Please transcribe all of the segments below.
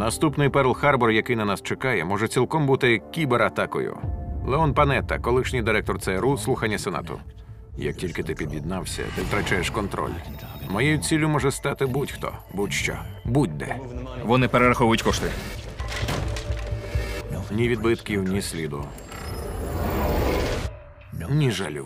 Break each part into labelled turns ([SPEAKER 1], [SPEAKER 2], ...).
[SPEAKER 1] Наступний Перл-Харбор, який на нас чекає, може цілком бути кібератакою. Леон Панетта, колишній директор ЦРУ, слухання Сенату. Як тільки ти під'єднався, ти втрачаєш контроль. Моєю ціллю може стати будь-хто, будь-що, будь-де.
[SPEAKER 2] Вони перераховують кошти.
[SPEAKER 1] Ні відбитків, ні сліду. Ні жалю.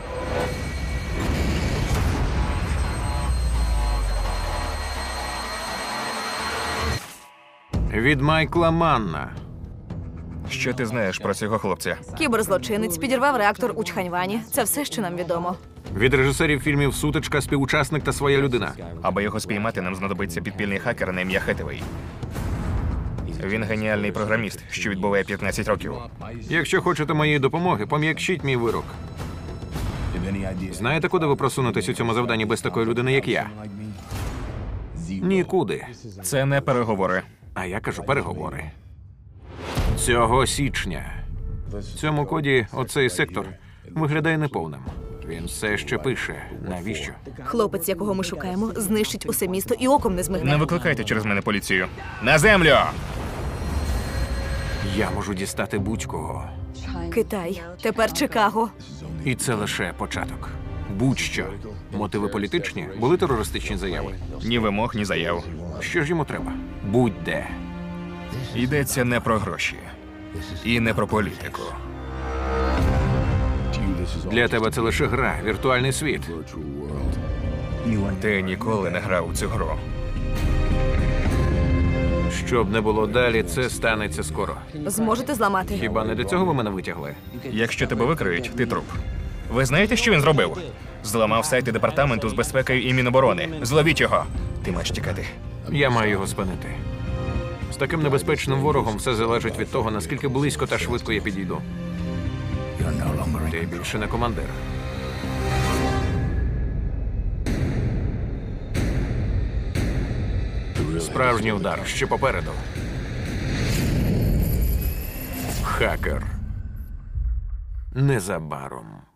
[SPEAKER 1] Від Майкла Манна.
[SPEAKER 2] Що ти знаєш про цього хлопця?
[SPEAKER 3] Кіберзлочинець підірвав реактор у Чханьвані. Це все, що нам відомо.
[SPEAKER 1] Від режисерів фільмів «Сутичка», «Співучасник» та «Своя людина».
[SPEAKER 2] Аби його спіймати, нам знадобиться підпільний хакер на ім'я Хетевей. Він геніальний програміст, що відбуває 15 років.
[SPEAKER 1] Якщо хочете моєї допомоги, пом'якшіть мій вирок. Знаєте, куди ви просунетесь у цьому завданні без такої людини, як я? Нікуди.
[SPEAKER 2] Це не переговори.
[SPEAKER 1] А я кажу переговори. Цього січня. В цьому коді оцей сектор виглядає неповним. Він все ще пише. Навіщо?
[SPEAKER 3] Хлопець, якого ми шукаємо, знищить усе місто і оком не змигне.
[SPEAKER 2] Не викликайте через мене поліцію. На землю!
[SPEAKER 1] Я можу дістати будь-кого.
[SPEAKER 3] Китай, тепер Чикаго.
[SPEAKER 1] І це лише початок. Будь-що. Мотиви політичні? Були терористичні заяви?
[SPEAKER 2] Ні вимог, ні заяв.
[SPEAKER 1] Що ж йому треба? Будь-де.
[SPEAKER 2] Йдеться не про гроші. І не про політику.
[SPEAKER 1] Для тебе це лише гра, віртуальний світ.
[SPEAKER 2] Ти ніколи не грав у цю гру.
[SPEAKER 1] Щоб не було далі, це станеться скоро.
[SPEAKER 3] Зможете зламати?
[SPEAKER 1] Хіба не для цього ви мене витягли?
[SPEAKER 2] Якщо тебе викриють, ти труп. Ви знаєте, що він зробив? Зламав сайти департаменту з безпекою і Міноборони. Зловіть його. Ти маєш тікати.
[SPEAKER 1] Я маю його спинити. З таким небезпечним ворогом все залежить від того, наскільки близько та швидко я підійду. Ти більше не командир. Справжній удар ще попереду. Хакер. Незабаром.